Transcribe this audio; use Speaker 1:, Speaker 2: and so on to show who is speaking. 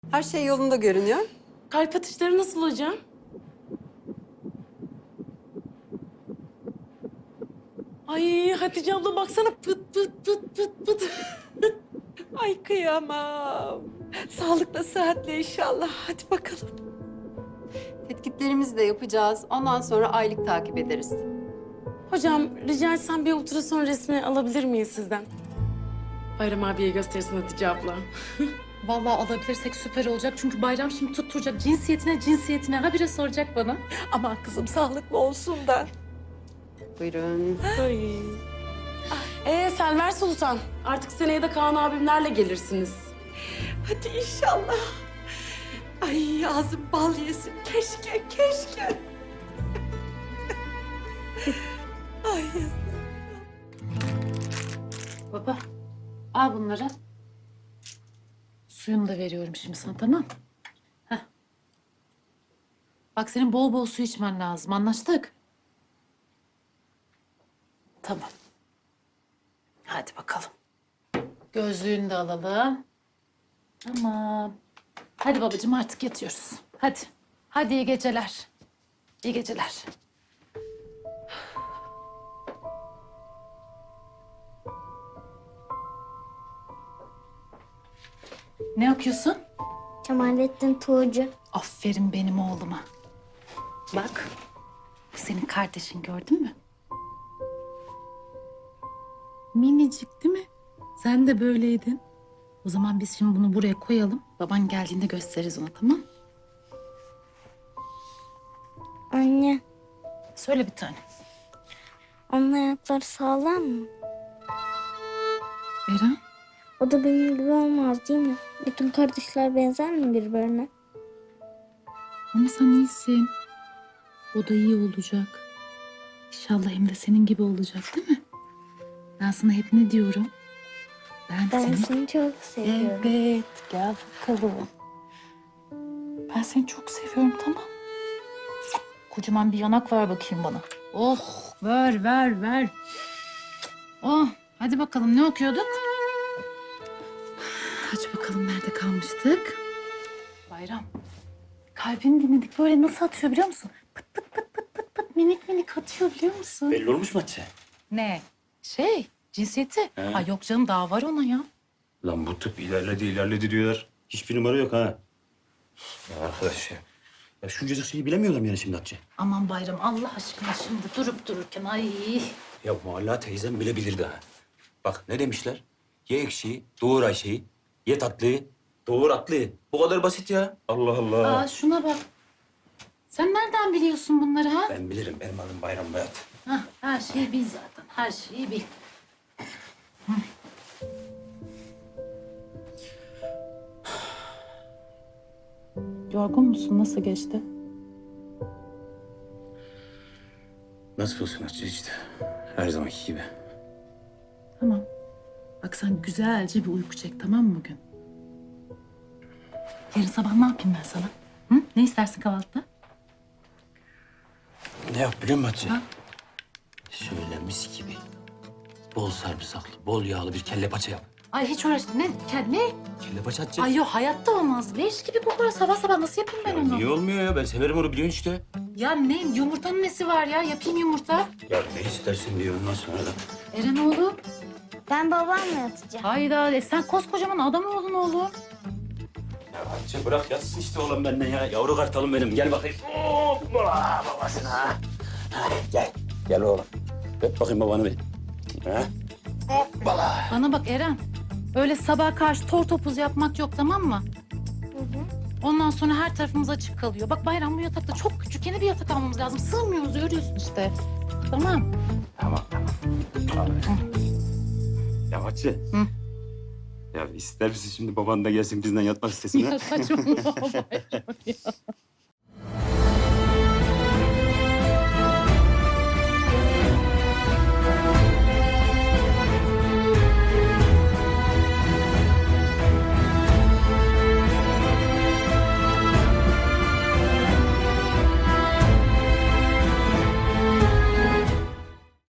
Speaker 1: Her şey yolunda görünüyor.
Speaker 2: Kalp atışları nasıl hocam? Ay Hatice abla baksana pıt pıt pıt pıt pıt.
Speaker 3: Ay kıyamam. Sağlıkla sıhhatle inşallah. Hadi bakalım.
Speaker 1: Tetkiklerimizi de yapacağız. Ondan sonra aylık takip ederiz.
Speaker 2: Hocam rica etsem bir ultrason resmi alabilir miyiz sizden? Bayram abiye göstersin Hatice abla.
Speaker 4: Vallahi alabilirsek süper olacak. Çünkü Bayram şimdi tutturacak cinsiyetine habire soracak bana.
Speaker 3: Aman kızım sağlıklı olsun da.
Speaker 1: Buyurun.
Speaker 2: Ay. Selver Sultan, artık seneye de Kaan abimlerle gelirsiniz.
Speaker 3: Hadi inşallah. Ay ağzım bal yesin. Keşke, keşke. Ay.
Speaker 4: Baba al bunları. Suyunu da veriyorum şimdi sana, tamam? Heh. Bak senin bol bol su içmen lazım, anlaştık? Tamam. Hadi bakalım. Gözlüğünü de alalım. Tamam. Hadi babacığım artık yatıyoruz. Hadi. Hadi iyi geceler. İyi geceler. Ne okuyorsun?
Speaker 5: Kemalettin Tuğcu.
Speaker 4: Aferin benim oğluma. Bak, bu senin kardeşin, gördün mü? Minicik değil mi? Sen de böyleydin. O zaman biz şimdi bunu buraya koyalım. Baban geldiğinde gösteririz ona, tamam?
Speaker 5: Anne,
Speaker 4: Söyle bir tane.
Speaker 5: onun ayakları sağlam mı?
Speaker 4: Eren,
Speaker 5: O da benim gibi olmaz değil mi? Bütün kardeşler benzer mi birbirine?
Speaker 4: ama sen iyisin. O da iyi olacak. İnşallah hem de senin gibi olacak, değil mi? Ben sana hep ne diyorum?
Speaker 5: Ben seni çok seviyorum.
Speaker 4: Evet, gel bakalım. Ben seni çok seviyorum, tamam. Kocaman bir yanak ver bakayım bana. Oh, ver. Oh, hadi bakalım ne okuyorduk? Aç bakalım nerede kalmıştık? Bayram, kalbini dinledik, böyle nasıl atıyor biliyor musun? Pıt pıt pıt pıt pıt pıt minik minik atıyor biliyor musun?
Speaker 6: Belli olmuş mu Hatice?
Speaker 4: Ne? Cinsiyeti.
Speaker 6: He.
Speaker 4: Ha yok canım, daha var ona ya.
Speaker 6: Lan bu tıp ilerledi diyorlar. Hiçbir numara yok ha. Ya arkadaş ya. Ya şuncacık şeyi bilemiyorlar mı yani şimdi Hatice?
Speaker 4: Aman Bayram, Allah aşkına şimdi durup dururken ay.
Speaker 6: Ya Muhalla teyzem bile bilirdi ha. Bak ne demişler? Ye ekşiyi, doğur Ayşe'yi. Ye tatlıyı, doğur atlıyı. Bu kadar basit ya. Allah Allah.
Speaker 4: Aa şuna bak. Sen nereden biliyorsun bunları ha?
Speaker 6: Ben bilirim. Benim adım Bayram Bayat.
Speaker 4: Hah, her şeyi bil zaten. Her şeyi bil. Hı. Yorgun musun? Nasıl geçti?
Speaker 6: Nasıl olsun Hatice işte. Her zamanki gibi.
Speaker 4: Tamam. Bak sen güzelce bir uyku çek, tamam mı bugün? Yarın sabah ne yapayım ben sana? Hı? Ne istersin kahvaltıda?
Speaker 6: Ne yap biliyor musun Hatice?
Speaker 4: Ha?
Speaker 6: Şöyle mis gibi. Bol sarımsaklı, bol yağlı bir kelle paça yap.
Speaker 4: Ay hiç uğraş... Ne? Ne?
Speaker 6: Kelle paça Hatice.
Speaker 4: Ay yok, hayatta olmaz. Leş gibi kokar sabah sabah. Nasıl yapayım ben
Speaker 6: Ya
Speaker 4: onu?
Speaker 6: niye olmuyor ya? Ben severim onu biliyorsun işte.
Speaker 4: Ya ne? Yumurtanın nesi var ya? Yapayım yumurta.
Speaker 6: Ya ne istersin diyor ondan sonra da.
Speaker 4: Eren oğlum.
Speaker 5: Ben babamla yatacağım.
Speaker 4: Hayda, sen koskocaman adam oldun oğlum.
Speaker 6: Ya Hatice bırak yatsın işte oğlum benden ya. Yavru kartalım benim. Gel bakayım. Hoppa babasına. Hadi gel. Gel oğlum. Öp bakayım babanı bir. Ha? Hoppala.
Speaker 4: Bana bak Eren. Öyle sabah karşı tor topuz yapmak yok, tamam mı? Ondan sonra her tarafımız açık kalıyor. Bak Bayram, bu yatakta çok küçük, yeni bir yatak almamız lazım. Sığmıyoruz, görüyorsun işte. Tamam.
Speaker 6: Tamam. Abi. Ya Hatice.
Speaker 4: Hı.
Speaker 6: Ya ister misin şimdi baban da gelsin bizden yatmak istesin ha?
Speaker 4: Ya saçmalama Bayram ya.